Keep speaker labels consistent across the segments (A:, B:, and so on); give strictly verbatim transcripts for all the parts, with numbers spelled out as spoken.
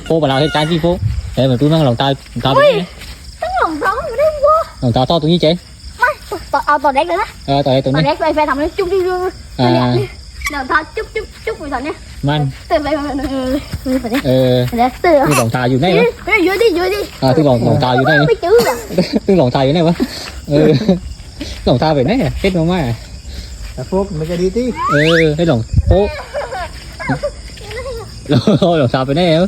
A: phố mà làm cái trái gì phố để mà tôi mang lòng ta ta
B: tấm lòng đó mà đấy quá
A: lòng ta to tụi như chế
B: tao tao tao đẹp rồi đó
A: ờ tụi tụi
B: tao
A: này
B: đẹp phải phải thầm lên chung chung chung
A: à
B: nào tao chúc chúc chúc mày thằng nhé
A: man
B: từ phải phải phải
A: ờ
B: từ
A: tôi lòng taอยู่ไหนวะ
B: dưới đi dưới đi
A: à tôi lòng lòng taอยู่ไหน
B: mấy chữ à
A: tôi lòng taอยู่ไหนวะừ lòng ta vềไหนà hết không à
C: phố mấy cái đi tí
A: ừ hết lòng phố rồi lòng ta vềไหน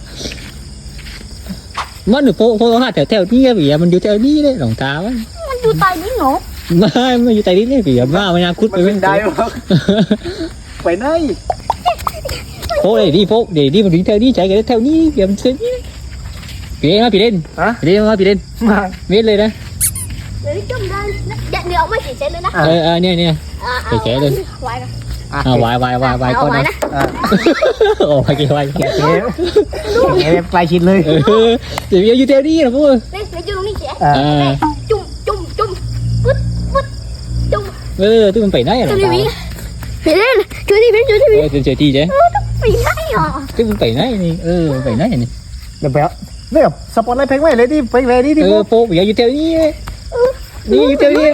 A: mất được phố phố nó theo theo đi vì mình vô theo đi đấy lòng ta quá
B: mình vô tay đi ngộ
A: mà mình vô tay đi đấy vì mà mình cút
C: mình bên đây phải nơi
A: phố để đi phố để đi mà đi theo đi chạy cái theo đi kìa mình xem đi em bị lên
C: hả
A: đi em bị lên biết lên đấy
B: để đi chung lên dạ đi ông mấy chị sẽ lên đó
A: ờ ờ nè nè
B: để
A: trẻ lên
B: hoài
A: à hoài hoài hoài hoài con đó ồ hoài kia hoài
C: em quay xinเลย
A: thì bây giờ theo đi là phố
B: đi để chung đi trẻ
A: à
B: chung chung chung vứt vứt chung
A: ừ tôi mình phải nói là
B: đi biển phải lên chơi đi biển chơi đi biển
A: chơi chơi đi chứ
B: phải nói à
A: tôi mình phải nói đi ừ phải nói này
C: được béo đấy à support lại phanh mày lấy đi phanh về đi đi
A: ừ phố bây giờ theo đi đi theo đi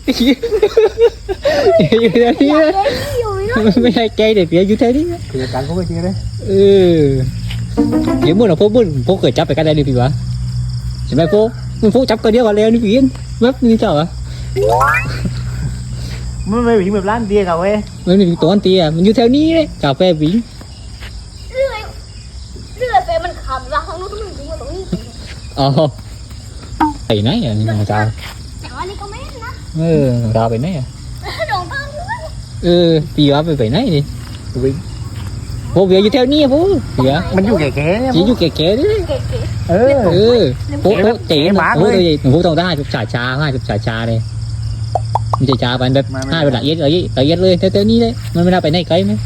A: đi theo đi mấy hai cây để phía dưới thế đi
C: thì cắn có cái gì đấy
A: ừ nếu muốn là phố muốn phố khởi chấp phải cái đây đi vì vậy chỉ mấy phố mình phố chấp cái đĩa vào leo đi biển mất như chào à
C: mới mới bị một lát tia cà phê
A: mình mình tổ ăn tia mình như theo ní đấy cà phê biển
B: rồi về mình khẩm ra không nó cũng mình cũng đi
A: ờ thầy nấy à nhưng mà sao
B: chẳng đi có mấy nữa
A: ừ sao vậy nấy à
B: đồ thơm
A: ừ vì vậy phải nấy đi phố về như theo ní phố gì á
C: mình vô kẻ kẻ
A: chỉ vô kẹt kẹt đấy
B: kìa kìa
C: ừ
A: ừ phố phố chỉ
C: bá
A: phố tôi phố tàu ta hai chục trà trà hai chục trà trà này mình trà trà bạn đẹp hai bạn lại yết ở yết ở yết lên theo theo ní đấy mình mới ra phải này cây mấy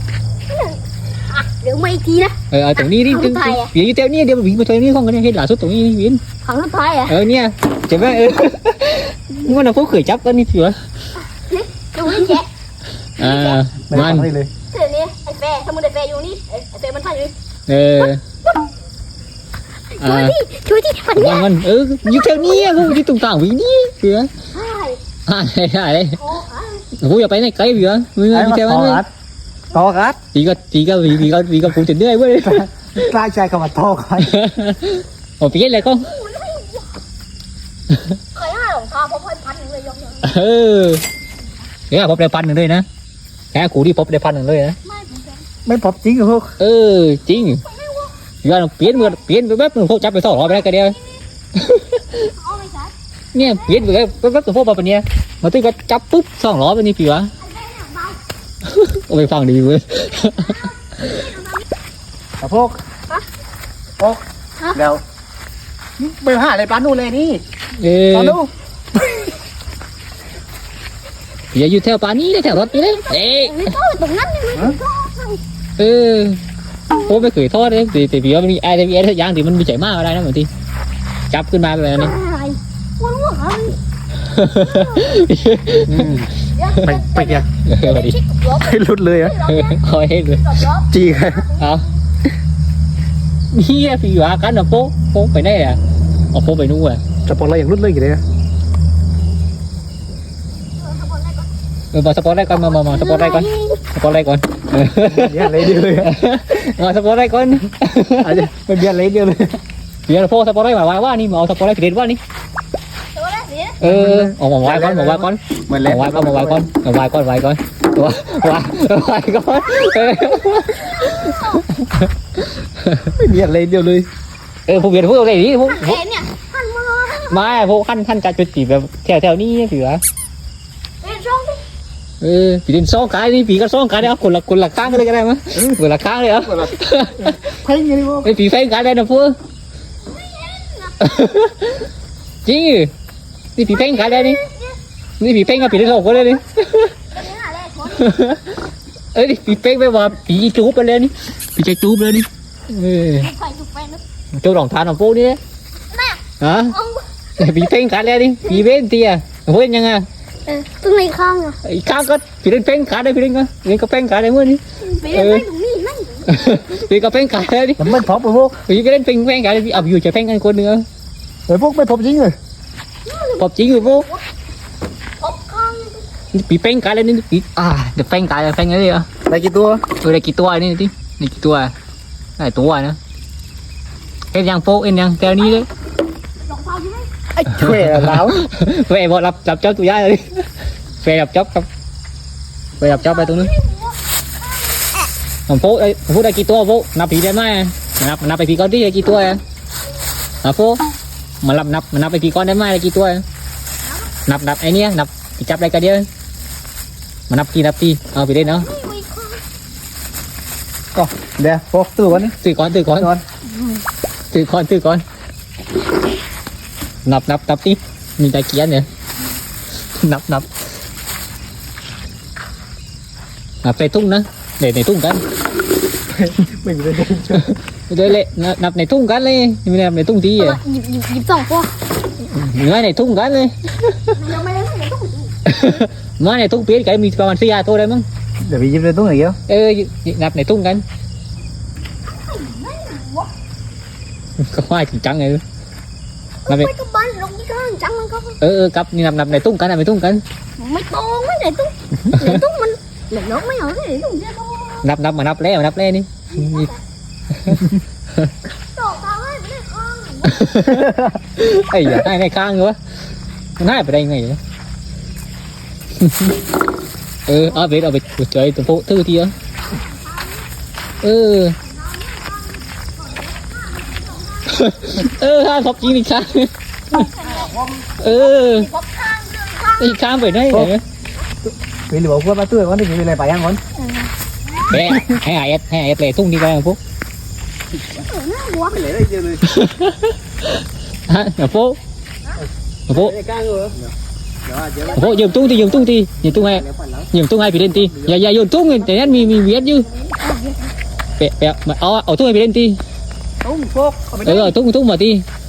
B: được mấy chi đó
A: ờ ở tụi ní đi vì như theo ní đi vì mà theo ní không có này hết là số tụi ní biến
B: không nó thay à
A: ờ nha chỉ biết nhưng mà nó phố khởi chấp con đi chưa
B: đúng đi trẻ
A: à man
B: thế này anh phê xong rồi phê vô đi anh phê mình phải đi
A: ờ
B: chui đi chui đi mình
A: man man ừ như theo ní không đi tùng tàng vì ní kìa à đây đây vui ở bên này cây gì á mình đi theo anh
C: to gắt
A: thì có thì có vì vì có vì có phụ trình đấy với
C: lai chạy cả mặt to coi
A: ồ biết lại không
B: khởi hai đồng thò không phải phanh người giống
A: ừ cái là pop đây pan được đây nè cái cũ đi pop đây pan được đây nè
C: mấy pop chính rồi không
A: ừ chính giờ nó biến mưa biến với bếp nó phô chấp với thỏ đây cái đây nè biến với với bếp nó phô vào bên nè mà tôi có chấpปุ๊บsongล้อbênนี้กี่วะไปฟังดีเว้ย
C: à phúc phúc đâu bây giờ lại bán đồ này đi
A: เออ
C: bán đâu
A: อย่าอยู่แถวป่านี้เลยแถวรถนี้เลยเอ๊ะ
B: ไม่ต้องตรงนั้นไม่ต้อง
A: เออโอ้ไม่เคยทอดเลยแต่แต่พี่ว่ามันมีไอ้แต่พี่ไอ้ย่างที่มันมีใจมากอะไรนะบางทีจับขึ้นมาแบบนี้
B: quân quá hả
C: mày mày kìa
A: เออดี
C: lút lười á
A: คอยให้เลย
C: chi kìa
A: เอานี่พี่ว่ากันนะโป๊ะโป๊ะไปไหนอ่ะเอาโป๊ะไปนู่นอ่ะ
C: support lạiอย่างlút lười gì đấy
A: เออมาสปอร์ตได้ก่อนมามามาสปอร์ตได้ก่อนสปอร์ตได้ก่อน
C: เนี่ยlấy điềuเลย
A: มาสปอร์ตได้ก่อน
C: mình biết lấy điềuเลย
A: เดี๋ยวโป๊ะสปอร์ตได้มาว่าว่านี่มาเอาสปอร์ตได้ผิดว่านี่เออเอามาว่าก่อนมาว่าก่อน
C: mình
A: มา
C: lấy
A: ว่าก่อนมาว่าก่อนมาว่าก่อนว่าก่อนว่าว่าว่าก่อน
C: biết lấy điềuเลย
A: เออผมเห็นพวกอะไรนี่พวก
B: nè hành mà
A: มาพวกขั้นขั้นการจุดจีบแบบแถวแถวนี้พี่วะ
B: bên trong đi
A: เออพี่ดินซ้องกายนี่พี่ก็ซ้องกายได้เอาคนละคนละข้างเลยก็ได้มั้ยคนละข้างเลยเหรอ
C: thấy như đi vô
A: ไอ้พี่แฟนกายได้นะพวกจริงนี่พี่แฟนกายได้นี่นี่พี่แฟนกับพี่ดินสองคนเลยนี่เอ้ยพี่แฟนไปว่าพี่จูบไปเลยนี่พี่จะจูบเลยนี่เออ
B: phải chụp ven nữa
A: เจ้าหลงทานของพวกนี้ฮะ
B: ông
A: พี่แฟนกายได้นี่พี่เว้นเตี้ยเว้นยังไง
B: tôi này không à
A: ไอ้ข้างก็พี่เล่นแฟนกายได้พี่เล่นก็เล่นก็แฟนกายได้เมื่อนี้
B: bị em thấy đúng gì nãy
A: พี่ก็เป็นไก่เลยดิ
C: แต่มันพบไปพวก
A: พี่ก็เล่นเป็นแฟนไก่พี่เอาอยู่จะแฟนกันคนหนึ่ง
C: ไอ้พวกไม่พบจริงเลย
A: พบจริงอยู่พวก
B: พบข้าง
A: พี่เป็นไก่เลยนี่พี่อ่าเดี๋ยวแฟนไก่แฟนกันเลยอ่ะ
C: ได้กี่ตัว
A: เออได้กี่ตัวนี่ดิได้กี่ตัวได้ตัวนะเอ็นยังโป๊เอ็นยังแถวนี้เลย
B: รองเท้าใช่ไหม
C: ไอ้ช่วยแล้ว
A: แฟนบอกรับรับจ็อบตัวยาเลยแฟนรับจ็อบครับแฟนรับจ็อบไปตรงนู้นผมโป๊ไอ้ผมพูดได้กี่ตัวโป๊นับผีได้ไหมนับนับไปผีก้อนที่ได้กี่ตัวอ่ะอ่ะโป๊มานับนับมานับไปผีก้อนได้ไหมได้กี่ตัวนับนับไอ้เนี้ยนับจับได้กันเดียวมานับทีนับทีเอาไปเล่นเนาะ
C: ก็เดี๋ยวพกตัวก่อนนี่
A: ตื่นก่อนตื่นก่อน
C: ก่อน
A: ตื่นก่อนตื่นก่อนนับนับนับทีมีตะเกียนเนี่ยนับนับนับในทุ่งนะđểในทุ่งกัน
C: ไม่มีเลย
A: เดี๋ยวเลยนับในทุ่งกันเลยไม่นับในทุ่งทีอ่ะ
B: หยิบหยิบหยิบสองตัว
A: เนื้อในทุ่งกันเลย
B: ยังไม่ได้ไม่ได้ต้อง
A: เนื้อในทุ่งเปี๊ยกไก่มีประมาณสี่ห้าตัวได้มั้ง
C: เดี๋ยวไปยิบเลยตัวไหนเยอะ
A: เออนับในทุ่งกันก็ว่าจริงจังเลยนับใน
B: ไม่ก็บ้านลงที่ข้างจังมันก็
A: เออเออกับนี่นับนับในทุ่งกันนับในทุ่งกัน
B: ไม่ตรงไม่ไหนตุ้งไหนตุ้งมันไหนน้องไม่เอาไหนตุ้งเจ้า
A: นับนับมานับแล้วนับแล้วนี่
B: ต่อตาให้ไม่ได้ข้าง
A: ไอ้อย่าให้ในข้างเลยวะมันให้ไปได้ไงวะ เออเอาไปเอาไปเจอตัวโป๊ทื่อทีอ่ะเออ เออข้าพบจริงอีกครั้งเออ
B: พบข้างเรื่องข้าง
A: อีกครั้งไปได้ไหน
C: vì liệu qua ba tuổi con thì vì này phải ăn con
A: แม่ให้ไอเอสให้ไอเอสเลยทุ่งที่ไปพวก
B: น่าวัว
C: lấy đây chưa rồi
A: ฮะเดี๋ยวพวกเดี๋ยวพวก
C: cái căng rồi đó chưa
A: พวกยืมตุ้งทียืมตุ้งทียืมตุ้งให้ยืมตุ้งให้ไปเล่นทีอย่าอย่าโยนตุ้งแต่นั้นมีมีเวียดยืเปะเปะมาเอาเอาตุ้งให้ไปเล่นที
C: đúng phốt
A: เออเอาตุ้งตุ้งมาที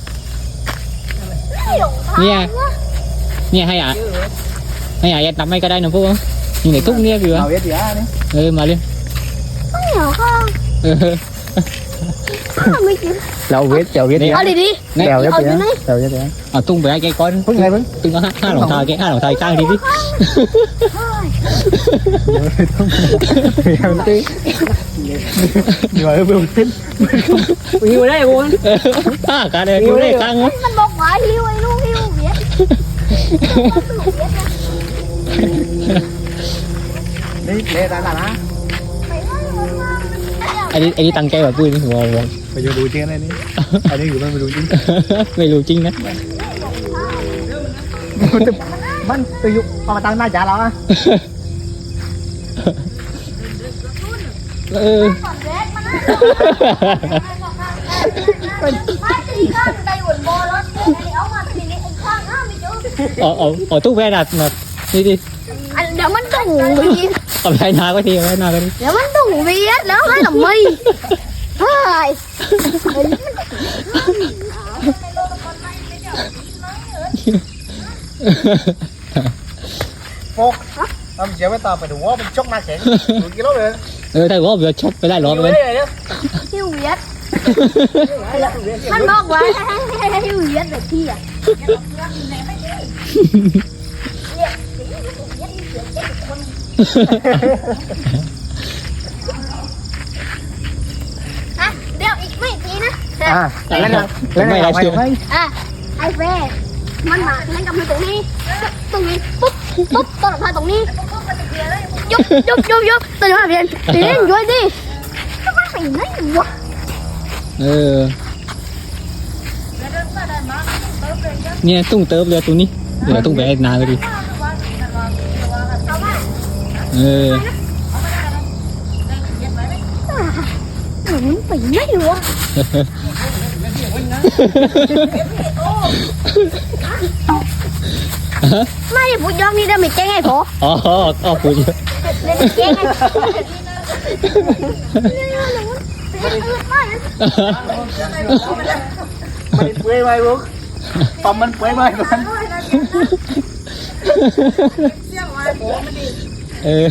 A: เนี่ยเนี่ยให้อ่ะให้อ่ะนับไม่ก็ได้นะพวกอยู่ในตุ้งเนี่ยพี่วะ
C: nào biết gì á đấy
A: เออมาเลย
B: ไม่เหรอข้าง
A: เออ
B: ไม่กิน
C: đâu biết đâu biết gì
B: เอา
C: á
B: ดีดี
C: đèo biết
B: Ờ,
C: gì
B: dưới
C: á
B: này.
C: đèo biết gì á
A: เอาตุ้งไปให้แกก่อน
C: phước ngay phước
A: ตุ้งก็ห้าห้าหลงทายแกห้าหลงทายข้างทีดิ
C: em tí nhưng mà em không tin
A: หิวได้กูข้ากันเลยหิวได้ข้างวะ
B: มันบอกว่าหิวไอ้ลูกหิวเวียด
C: đi để ra là á
A: อันนี้อันนี้ตั้งใจแบบพูดนี่หัวหัว
C: bây giờ đủ tiền này đi anh đi của mình đủ tiền
A: ไม่รู้จริงนะ
C: มันตัวยุเอามาตั้งหน้าจ่าเราอ่ะ
A: เออ
B: ก่อนเวียดมันนะถ้าตีข้างไปหุ่นโบรถเอามาทีนี้ไอ้ข้างห้ามไม่เจอ
A: เอาเอาเอาตู้แว่นอ่ะมานี่ดิ
B: อันเดี๋ยวมันต้องเวียด
A: เอาไปนาก็ทีเอาไปนาก็ที
B: เดี๋ยวมันต้องเวียดแล้วให้หล่ำมีเฮ้ย
C: โฟกทำเสียไม่ตอบไปดูว่ามันชกหน้าแข็งดูกี่รอบเลย
A: เออถ้าว่าเบียร์ชอบไปได้ร้อน
C: อยู่
A: เลย
C: ได้เลย
B: หิวเวียดมันบอกว่าให้หิวเวียดแบบที่อ่ะ อ่ะเดี๋ยวอีกไม่ทีนะ
C: อ่าแล้วนะแล้วนะไปไป
B: อ่ะไอ้เฟ่มันมาเล่นกับมันตรงนี้ตรงนี้ปุ๊บปุ๊บต้นมาตรงนี้ยุบยุบยุบยุบตัวนี้มาเรียนเรียนด้วยดิทำไมไปไหนวะ
A: เออเนี่ยตุ้งเติมเลยตัวนี้เดี๋ยวตุ้งไปนาก็ดีเออ
B: หนูไปไหนวะไม่พูดยอมนี่ได้ไม่เจ๊งไงพอ
A: อ๋ออ๋อพูดเยอะ
B: เล่นเจ๊งไง
C: มันเปื่อยไหมลูกปอมมันเปื่อยไหมมัน
A: เออ